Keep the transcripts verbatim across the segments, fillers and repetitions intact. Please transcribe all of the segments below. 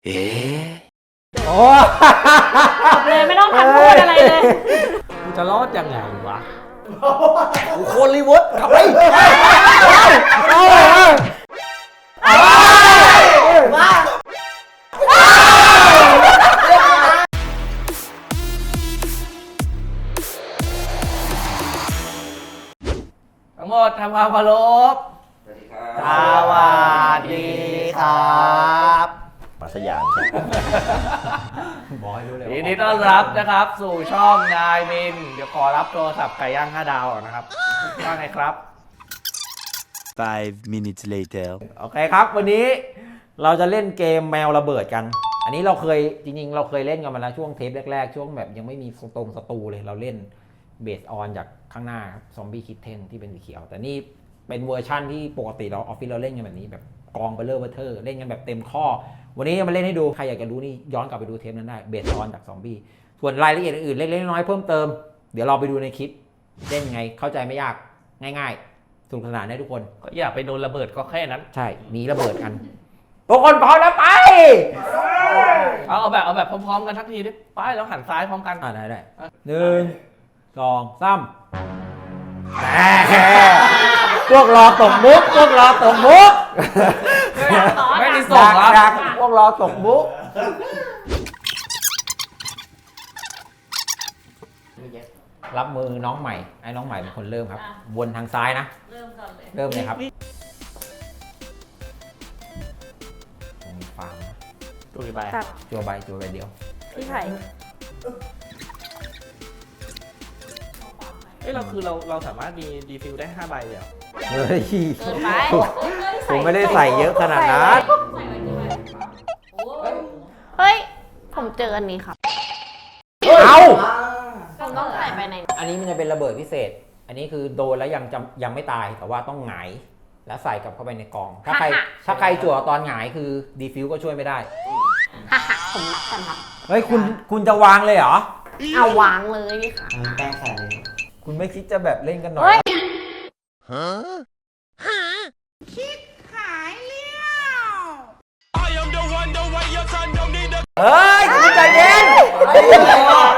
เอ๊ะโอ้เลยไม่ต้องทันพูดอะไรเลยกูจะรอดยังไงวะกูโคนรีเวิร์สกลับไปทั้งหมดทำความเคารพสวัสดีครับสวัสดีครับปัสยานบอกให้รู้เลยยินดีต้อนรับนะครับ สู่ช่องนายมิน เดี๋ยวขอรับโทรศัพท์ไก่ย่างห้าดาวก่อนนะครับว่าไงครับ Five minutes later โอเคครับ วันนี้เราจะเล่นเกมแมวระเบิดกัน อันนี้เราเคยจริงๆ เราเคยเล่นกันมาแล้วช่วงเทปแรกๆ ช่วงแบบยังไม่มีสตรงสตูเลยเราเล่นเบสออนจากข้างหน้าครับซอมบี้คิทเทนที่เป็นสีเขียว แต่นี่เป็นเวอร์ชั่นที่ปกติเราออฟฟิศเราเล่นกันแบบนี้แบบกองเบลเลอร์เบอร์เทอร์เล่นกันแบบเต็มข้อ วันนี้มาเล่นให้ดูใครอยากจะรู้นี่ย้อนกลับไปดูเทปนั้นได้เบสออนจากซอมบี้ส่วนรายละเอียดอื่นๆเล็กๆน้อยๆเพิ่มเติมเดี๋ยวเราไปดูในคลิปเล่นไงเข้าใจไม่ยากง่ายๆสนุกสนานได้ทุกคนก็อย่าไปโดนระเบิดก็แค่นั้นใช่หนีระเบิดกันทุกคนพร้อมแล้วไปเอาเอาแบบเอาแบบพร้อมๆกันทักทีดิไปแล้วหันซ้ายพร้อมกันอ่าได้ได้หนึ่งสองสามพวกรอตกมุกพวกรอตกมุกไม่มีส่งครับดักๆพวกรอตกมุกรับมือน้องใหม่ไอ้น้องใหม่เป็นคนเริ่มครับวนทางซ้ายนะเริ่มก่อนเลยเริ่มเลยครับมีฟาร์มดูดิไปตัดจัวใบจัวใบเดียวพี่ไผ่เอ้ยเราคือเราเราสามารถมีดีฟิวได้ห้าใบเดียวเฮ้ยเกินไปผมไม่ได้ใส่เยอะขนาดนั้นเฮ้ย ผมเจออันนี้ครับเอาผมต้องใส่ไปในอันนี้มันจะเป็นระเบิดพิเศษ อันนี้คือโดนแล้วยังจะยังไม่ตายแต่ว่าต้องหงายแล้วใส่กลับเข้าไปในกอง ถ้าใครถ้าใครจั่วตอนหงายคือดีฟิวก็ช่วยไม่ได้ฮ่าฮ่าผมรักกันครับเฮ้ยคุณคุณจะวางเลยเหรอเอาวางเลยค่ะแป้งใส่เลยคุณไม่คิดจะแบบเล่นกันหน่อเฮ้ยยเฮ้ยคุณใจเย็นโอ้เพิ่ง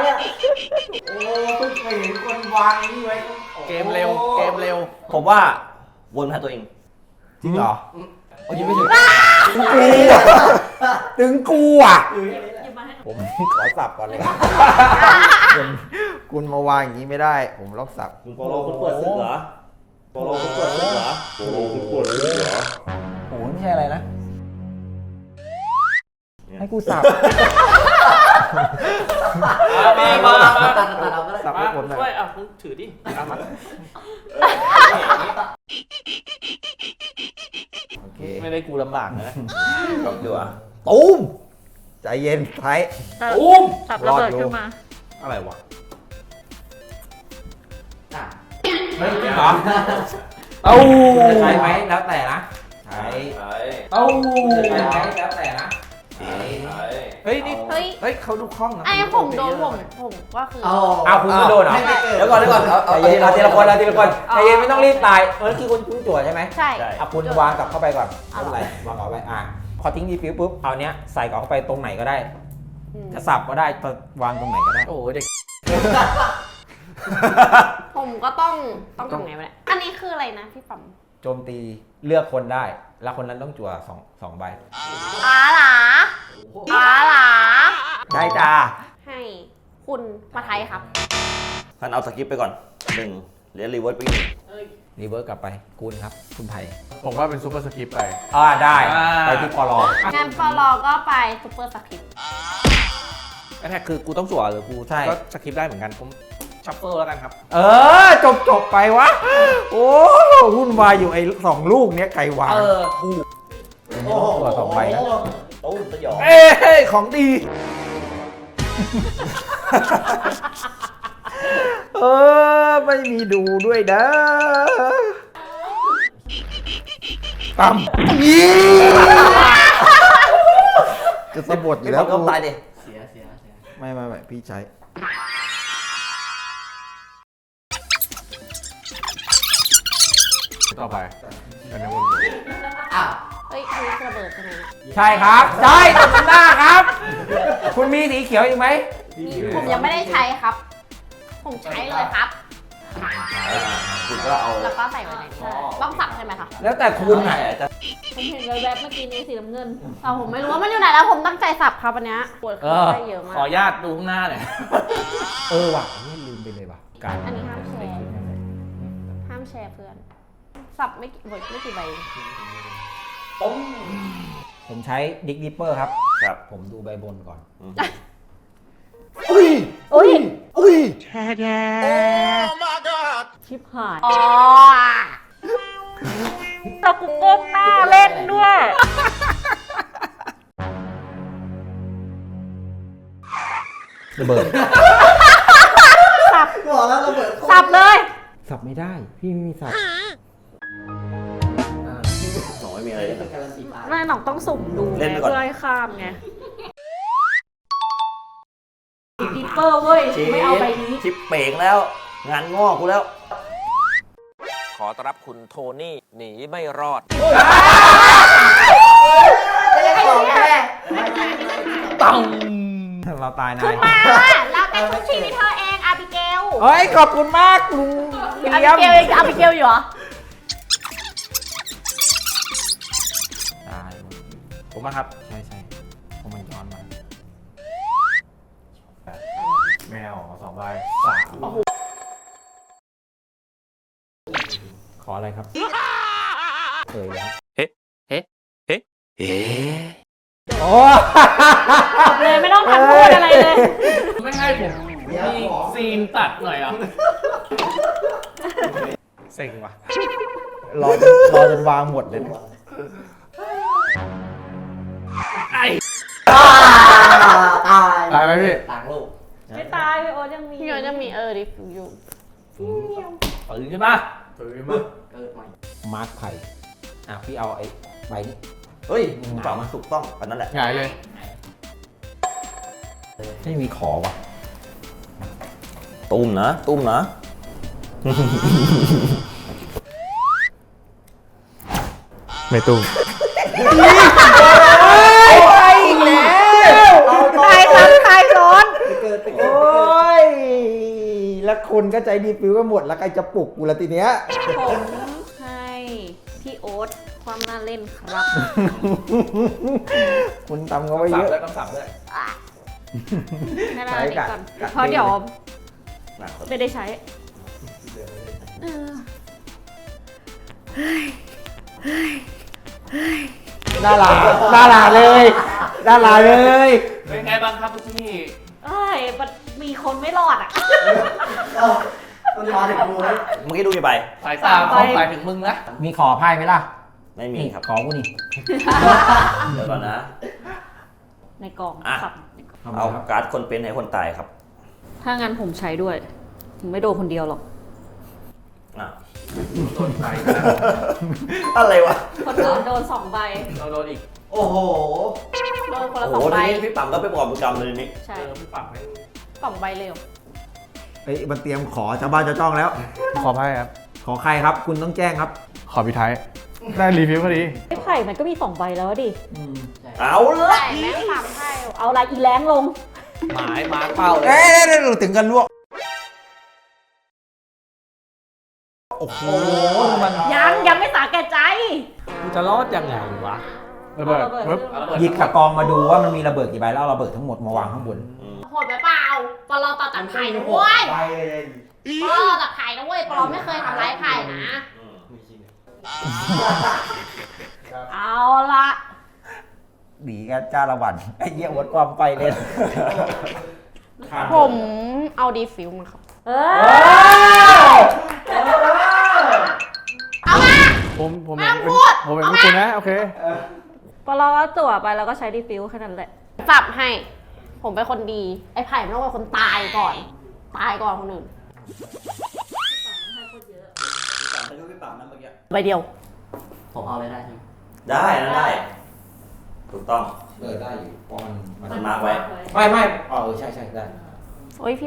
เคยเห็นคนวางนี่ไว้เกมเร็วเกมเร็วผมว่าวนมาหาตัวเองจริงเหรอโอ้ยไม่ถึงกูอ่ะถึงกูอ่ะผมขอสับก่อนเลยคุณคุณมาวางอย่างนี้ไม่ได้ ผมล็อกสับคุณโปโลคุณเปิดศึกเหรอโปโลคุณเปิดศึกเหรอโปโลคุณเปิดศึกเหรอโอ้โหไม่ใช่อะไรนะ ให้กูสับมามามาสับมาให้ผมหน่ช่วอย ยอ่ะคุณถือดิเอามาโอเคไม่ได้กูลำบากนะกับดูอ่ะตูมใจเย็นไทยอุ้มสับระเบิดขึ้นมาอะไรวะเฮ้ยจริงเหรอเต้าใช้ไหมแล้วแต่นะใช้ใช่เต้าใช้ไหมแล้วแต่นะใช้เฮ้ยนี่เฮ้ยเฮ้ยเขาดูคล่องนะไอ้ผมโดนผมผมก็คือเอาคุณก็โดนเหรอเดี๋ยวก่อนเดี๋ยวก่อนใจเย็นเอาทีละคนเอาทีละคนใจเย็นไม่ต้องรีบตายเออคือคุณคุณจั่วใช่ไหมใช่เอาคุณวางกลับเข้าไปก่อนไม่เป็นไรวางเอาไว้อ่ะพอทิ้งดีฟิวปุ๊บเอาเนี้ยใส่กลับเข้าไปตรงไหนก็ได้อืมจะสับก็ได้จะวางตรงไหนก็ได้โอ้โหเด็กผมก็ต้องต้องทำไงวะเนี่ยอันนี้คืออะไรนะพี่ปั๊มโจมตีเลือกคนได้ แล้วคนนั้นต้องจั่วสองสองใบอาหลาอาหลาได้จ้าให้คุณมาไทยครับท่านเอาสกิปไปก่อนหนึ่งเหรียญรีเวิร์สไปอีกหนึ่งรีเวิร์สกลับไปคุณครับ คุณไผ่ผมว่าเป็นซูเปอร์สกิปไปอ่าได้อ่าไปที่ปลองั้นปลอก็ไปซุปเปอร์สคริปต์แค่คือกูต้องจั่วหรือกูใช่ก็สกิปได้เหมือนกันผมชัฟเฟิลแล้วกันครับเออ จบจบไปวะ โอ้วุ่นวายอยู่ไอ้สองลูกเนี้ยไก่วางเออกูตัวสองใบนะตู้มสยองเอ้ยของดีเออ ไม่มีดูด้วยนะตั้มยี่จะสะบัดอยู่ไม่แล้บอวกก็ตายดิไม่ไม่ไม่พี่ใช้ต่อไปอันนี้วนเฮ้ยอ้ยอันนี้ระเบิดใช่ไหมใช่ครับใช่ตบหน้าครับ คุณมีสีเขียวอีกไหมผมยังไม่ได้ใช้ครับ ผมใช้เลยครับคุณก็เอาแล้วก็ใส่ไว้ในนี้ต้องสับใช่ไหมคะแล้วแต่คุณอ่ะผมเห็นแวบๆเมื่อกี้นี้สีน้ำเงินแต่ผมไม่รู้ว่ามันอยู่ไหนแล้วผมตั้งใจสับครับอันเนี้ยปวดเอขาอได้เยอะมาขอก อนุญาตดูข้างหน้าหน่อยเออว่ะนี่ลืมไปเลยว่ะการอันนี้ห้ามแชร์ห้ามแชร์เพื่อน สับไม่กี่ไม่กี่ใบผมใช้ดิกดิปเปอร์ครับครับผมดูใบบนก่อนอุ้ยอุ้ยชิบหาย อ๋อเรากูก้มหน้าเล่นด้วยระเบิดสับบอกแล้วระเบิดสับเลยสับไม่ได้ พี่ไม่มีสับหน่อยมีอะไรเล่นแม่หน่องต้องสุ่มดูเล่นไปก่อนเพื่อให้ข้ามไงดิปเปอร์เว้ย ไม่เอาใบนี้ชิปเป่งแล้ว งานงอกกูแล้วขอต้อนรับคุณโทนี่หนีไม่รอดต้องเราตายนาขึ้ยนมาเราเป็นทุกชีวิตเธอเองอาบิเกลเฮ้ย ขอบคุณมากลุงวิลอาเลีบิยมเกลยังอาบิเกลอยู่เหรอตายผมมาครับใช่ใช่เพราะมันย้อนมาแมวสองใบสามขออะไรครับเอ่ยครับเฮ้เฮ้เฮ้เฮ้โอ้เลยไม่ต้องทันพูดอะไรเลยไม่ให้ผมมีซีนตัดหน่อยเหรอ่ะเซ็งว่ะรอจนรอจนวางหมดเลยนะไอ้ตายตายไหมพี่ไม่ตายพี่โอ๊ตยังมีพี่โอ๊ตยังมีเออดิฟอยู่ตื่นขึ้นมาตื่นมามาร์คไผ่อ่ะพี่เอาไอ้ใบนี้เฮ้ยเปล่ามันถูกต้องอันนั้นแหละหงายเลยไม่มีขอว่ะตุ้มนะ ตุ้มนะไม่ตุ้มไปอีกแล้วตายซ้ำตายซ้อนโอ้ยแล้วคนก็ใจดีฟิวก็หมดแล้วใครจะปลุกกูละทีเนี้ยผมให้พี่โอ๊ตความน่าเล่นครับคุณทำเขาไว้เยอะแล้วต้องสับด้วยให้เราดีก่อนกัดเพราะเดี๋ยวหนักไม่ได้ใช้เออน่ารักน่ารักเลยน่ารักเลยเป็นไงบ้างครับที่นี่เอ้ยมันมีคนไม่รอดอ่ะมันมาถึงกูเลยเมื่อกี้ดูกี่ใบสายตาเขาหมายถึงมึงนะมีขอไพ่ไหมล่ะไม่มีครับขอกูนี่เดี๋ยวก่อนนะในกล่องอ่ะครับเอาการ์ดคนเป็นให้คนตายครับถ้างั้นผมใช้ด้วยผมไม่โดนคนเดียวหรอกอ่ะโดนไปอะไรวะคนอื่นโดนสองใบเราโดนอีกโอ้โหโดนคนโอ้ละโหสองใบทีนี้พี่ปั๊มก็ไปบอกประจำเลยนี่ใช่เออพี่ปักไหมสองใบเร็วเฮ้ยมันเตรียมขอชาวบ้านชาวช่องแล้วขอไพ่ครับขอใครครับ คุณต้องแจ้งครับขอพี่ไทย ได้รีวิวพอดีไอ้ไผ่มันก็มีสองใบแล้วดิเอาละใช่แม่งสามไพ่เอาอะไรอีแรงลงหมายมาร์คเป้าเลยเอ้ยเดี๋ยวๆถึงกันลวก โอ้โหมันยังยังไม่สาแก่ใจกูจะรอดยังไงวะระเบิดระเบิดปึ๊บหยิบกระกองมาดูว่ามันมีระเบิดกี่ใบแล้วเอาระเบิดทั้งหมดมาวางข้างบนโหดไปเปล่าปลอตัดตัดไผ่นะเว้ยปลอตัดไผ่นะเว้ยปลอไม่เคยทำร้ายไผ่นะ เอาละหนีกันจ้าละวันไอ้เหี้ยวัดความไปเลยผมเอาดีฟิวมาครับ เออเอามาผมผมไม่เห็ต้นองพูดผมเห็นพวกคุณนะ โอเคพอเราก็จั่วไปแล้วก็ใช้ดีฟิวแค่นั้นแหละปรับให้ ผมเป็นคนดี ไอ้ไผ่ไม่ต้องเป็นคนตายก่อน ตายก่อนคนอื่นใบเดียวผมเอาเลยได้ใช่ไหมได้นะได้ ถูกต้องเออได้อยู่เพราะมันมันมันมาร์คไว้ไม่ไม่อ๋อเออใช่ใช่ได้โอ้ยพี่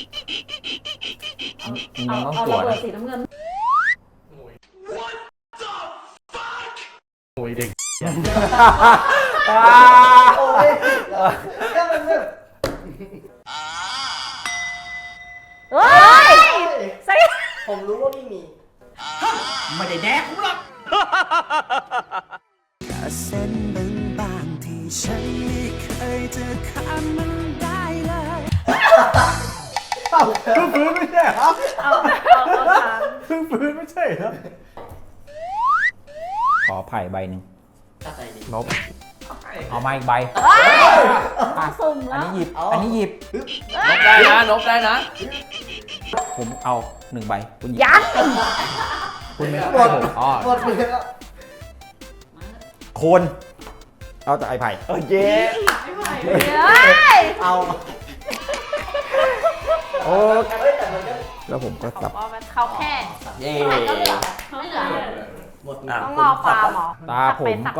มันเอาต้องเอาตรวระจเบิดนะสีน้ำเงินโอ้ยเด็กโอ้ยเฮ้ยใส่ผมรู้ว่าไม่มีไม่ได้แดกกูหรอกเส้นบางๆที่ฉันไม่เคยจะข้ามมันได้เลยเพิ่งฟื้นไม่ใช่เหรอเอาเอาเอาทางเพิ่งฟื้นไม่ใช่เหรอขอไผ่ใบหนึ่งถ้าใส่ดีลบเอามาอีกใบเฮ้ยสุ่มอันแล้วนี้หยิบอันนี้หยิบนบได้นะนบได้นะผมเอาหนึ่งใบคุณหยิบยังคุณไม่หมดอ๋อหมดเลยแล้วโคนเอาแต่ไอ้ไผ่โอเคเฮ้ยเอาโอ้เฮ้ยแต่มันก็แล้วผมก็เขาสับบอกว่าเขาแค่เย่ก็เหลือไม่เหลือหมดอ่ะต้องรอฟาร์มเหรอตาผมก็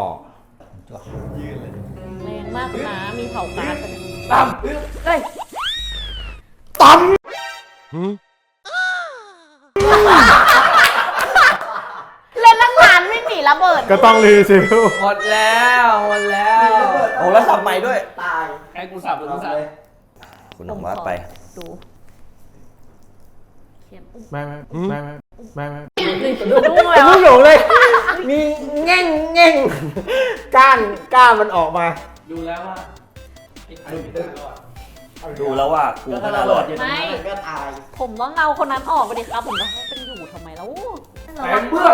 แรงมากนะ มีเผาการ์ดไปเลยตั้มเฮ้ยตั้มเล่นตั้งนานไม่หนีระเบิดก็ต้องรีซิลหมดแล้วหมดแล้วโอ้แล้วสับใหม่ด้วยตายให้กูสับหรือกูสับเลยคุณออกมาไปดูเขียนอุ้มไม่ไม่ไม่ไม่ไม่ไม่ดูเลยไม่หลงเลย มีแง่งแง่งก้านก้านมันออกมาดูแล้วว่าไอ้ไข่ไม่ได้รอดดูแล้วว่ากูก็ไม่ถ้าน่าเรารอดอยู่ตรงนั้นมันก็ตายผมต้องเอาคนนั้นออกไปดิครับ ผมจะให้เป็นอยู่ทำไมแล้วแปงเบื้อง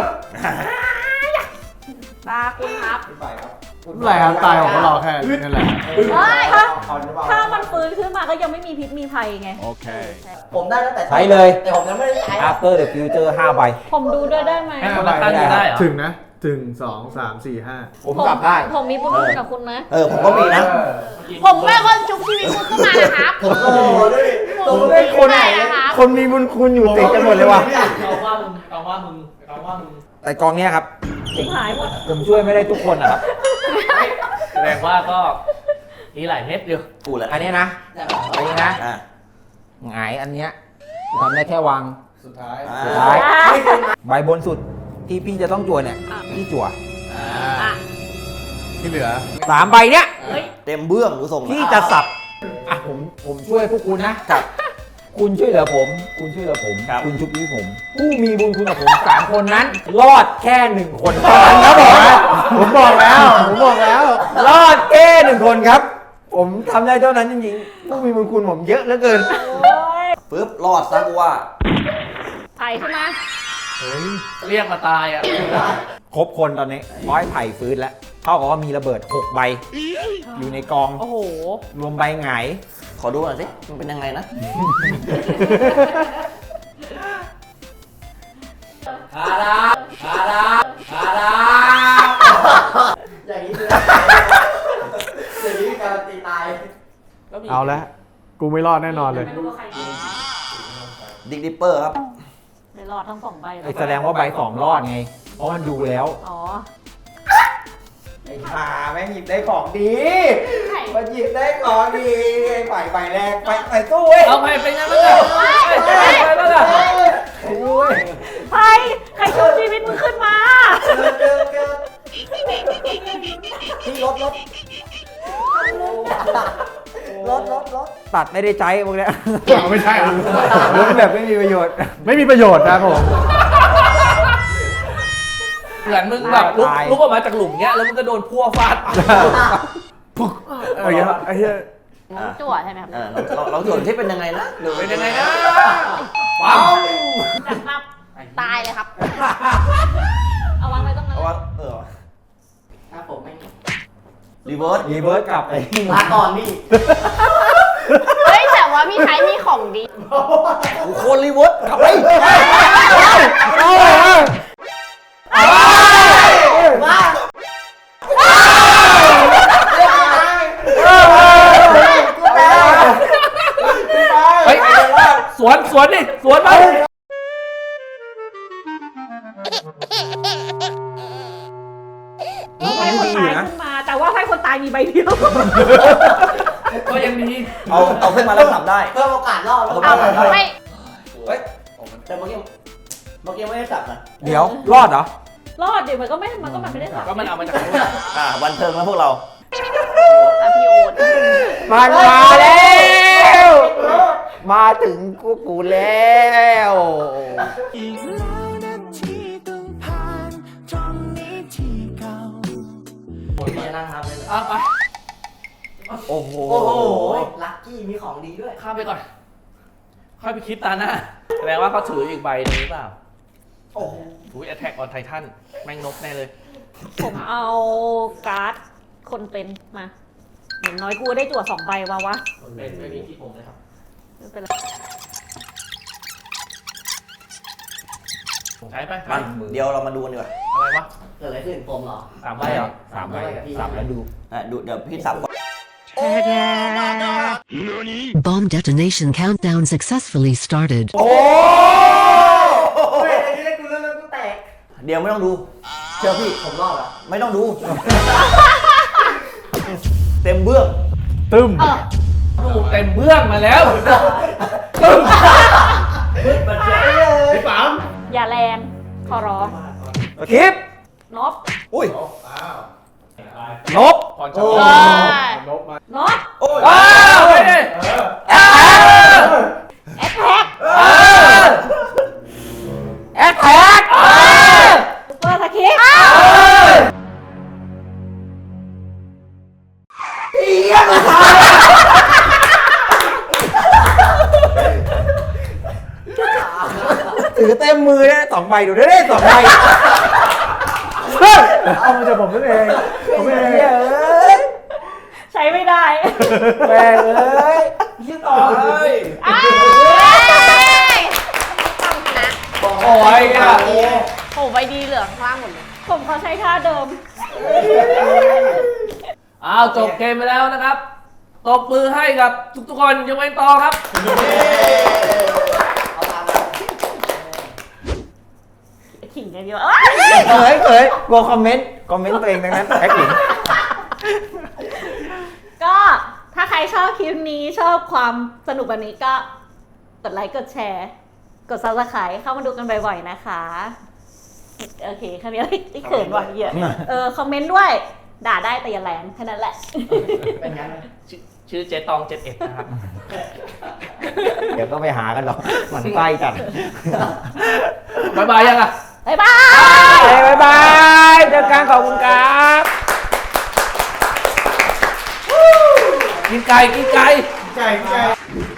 ตาคุณครับไปครับอะไรครับตายของเราแค่นั่นแหละเฮ้ยถ้าเอาหรือเปล่าถ้ามันฟื้นขึ้นมาก็ยังไม่มีพิษมีภัยไงโอเคผมได้ตั้งแต่ใช้เลยแต่ผมยังไม่ได้ใช้ After the Future ห้าใบผมดูด้วยได้ไหมให้คนละข้างดูได้เหรอถึงนะ ถึงสองสามสี่ห้าผมกลับได้ผมมีบุญคุณกับคุณนะเออผมก็มีนะผมเป็นคนชุบชีวิตคุณขึ้นมานะครับโอ้โหด้วยผมผมเป็เป็น นคคน นไหไหนนนะนะครับคนมีบุญคุณอยู่ติดกันหมดเลยว่ะเอาว่ามึงเอาว่ามึงเอาว่ามึงแต่กองเนี้ยครับสิงหายหมดผมช่วยไม่ได้ทุกคนนะครับแสดงว่าก็มีหลายเม็ดอยู่กูแหละอันเนี้ยนะอันนี้นะอ่ะหงายอันเนี้ยทำได้แค่วางสุดท้ายอ่สุดาท้ายใบบนสุดที่พี่จะต้องจั่วเนี่ยพี่จั่วอ่ะที่เหลือสามใบเนี้ยเฮ้ยเต็มเบื้องกูส่งพี่จะสับอ่ะผมผมช่วยพวกคุณนะครับ คุณช่วยเหลือผม คุณช่วยเหลือผมครับคุณชุบชีวิตผม ผู้มีบุญคุณกับผมสามคนนั้น รอดแค่หนึ่งคนเท่านั้นครับผมผมบอกแล้ว ผมบอกแล้ว รอดแค่หนึ่งคนครับ ผมทำได้เท่านั้นจริงๆผู้มีบุญคุณผมเยอะเหลือเกินปึ๊บรอดซะกูว่าไผ่ใช่ไหมเรียกมาตายอ่ะครบคนตอนนี้ร้อยไผ่ฟื้นแล้วเท่ากับว่ามีระเบิดหกใบ อยู่ในกองโอ้โหรวมใบหงายขอดูหน่อยสิมันเป็นยังไงนะฮาดาฮาดาฮาดาอย่างนี้คืออย่างนี้คือการันตีตายเอาละกูไม่รอดแน่นอนเลยไม่รู้ว่าใครดีดิกดิปเปอร์ครับไม่รอดทั้งสองใบเลยไอ้แสดงว่าใบสองรอดไง เพราะมันดูแล้วอ๋อไอ้ห่าแม่งหยิบได้ของดีไผ่มันหยิบได้ของดีไอ้ฝ่ายใบแรกไปไปสู้เว้ยเอาไปเป็นยังไงล่ะไปแล้วล่ะไปสู้เว้ยไผ่ใครชุบชีวิตมึงขึ้นมาเกิดเกิดเกิดที่รถรถรถรถรถตัดไม่ได้ใจพวกเนี้ยไม่ใช่เหรอลุ้นแบบไม่มีประโยชน์ไม่มีประโยชน์นะผมเหมือนมึงแบบลุกตายลุกออกมาจากหลุมเงี้ยแล้วมึงก็โดนพัวฟาดไอ้เหี้ยไอ้เหี้ยจั่วใช่ไหมครับอ่าเราเราส่วนที่เป็นยังไงนะดูเป็นยังไงนะปั๊มจับปั๊บตายเลยครับ เอาวางไว้ตรงนั้นเอาว่าเออถ้าผมไม่รีเวิร์สรีเวิร์สกลับไปลาก่อนนี่เฮ้ย แต่ว่าพี่ใช้มีของดีกูโคนรีเวิร์สกลับไปว่าเฮ้ยสวนสวนดิสวนไปให้คนตายขึ้นมา แต่ว่าให้คนตายมีใบเดียวก็ยังดีเอาเอาขึ้นมาแล้วสับได้เพิ่มโอกาสรอดเอาเอาไม่เฮ้ยแต่เมื่อกี้เมื่อกี้ไม่ได้สับนะเดี๋ยว รอดเหรอรอดดิมันก็ไม่มันก็มันไม่ได้สามก็มันเอามาจากนู้นอ่ะบันเทิงแล้วพวกเราแต่พี่โอ๊ตมันมาแล้ว มาถึงกูกูแล้วอีกแล้วนาทีต้องผ่านตรงนี้ที่เก่าผมจะนั่งทำเลยเอาไปโอ้โหโอ้โห ลักกี้มีของดีด้วยข้ามไปก่อน ค่อยไปคิดตาหน้าแสดงว่าเขาถืออีกใบหนึงหรือเปล่าโอ้โหอุ้ย Attack on Titan แม่งนกแน่เลยผมเอาการ์ดคนเป็นมาอย่างน้อยกูได้จั่วสองใบวะวะเป็นไม่มีที่ผมเลยครับไม่เป็นไรผมใช้ไปมันเดี๋ยวเรามาดูกันดีกว่าอะไรวะเกิดอะไรขึ้นผมเหรอสามใบเหรอสามใบสามแล้วดูอ่ะดูเดี๋ยวพี่สับก่อน Bomb detonation countdown successfully started. เฮ้ยไอ้นี่เล่นกูเล่นแล้วกูแตกเดี๋ยวไม่ต้องดู เชื่อพี่ผมรอดอ่ะไม่ต้องดู เต็มเบื้องตึ้มเออดูเต็มเบื้องมาแล้วตึ้มพี่ปั๊มอย่าแรงขอร้องคลิปนบอุ้ยนบก่อนเอจะอนบโอ้ยว้าวไปดิแอทแท็กแอคแท็กเปิดสคริปต์ถือเต็มมือได้สองใบดูได้ได้สองใบเอามาจากผมนั่นเอง ผมเองเอ้ยใช้ไม่ได้แม่งเอ้ยยี่ต่อเลยอ้ายต้องชนะโอ้ยอ่ะโอ้ใบดีเหลือข้างล่างหมดเลย ผมเขาใช้ท่าเดิมอ้าวจบเกมไปแล้วนะครับ ตบมือให้กับทุกๆคนยกเว้นตอครับเอาตามมาขิงกันดีกว่าเอ้ยเขยเขยกลัวคอมเมนต์ คอมเมนต์ตัวเองดังนั้นแอคหลิงก็ถ้าใครชอบคลิปนี้ชอบความสนุกแบบนี้ก็กดไลค์กดแชร์ กด ซับสไครบ์ เข้ามาดูกันบ่อยๆนะคะ โอเคแค่นี้ไอ้เขินว่ะเหี้ยเออคอมเมนต์ด้วย ด่าได้แต่อย่าแรงแค่นั้นแหละเป็นงั้นไหมชื่อชื่อเจตองเจ็ดเอ็ดนะครับเดี๋ยวก็ไปหากันหรอกมันใกล้กันบายบายยังอ่ะบ๊ายบายเฮ้ยบ๊ายบายเจอกันขอบคุณครับกินไก่กินไก่ไก่ไก่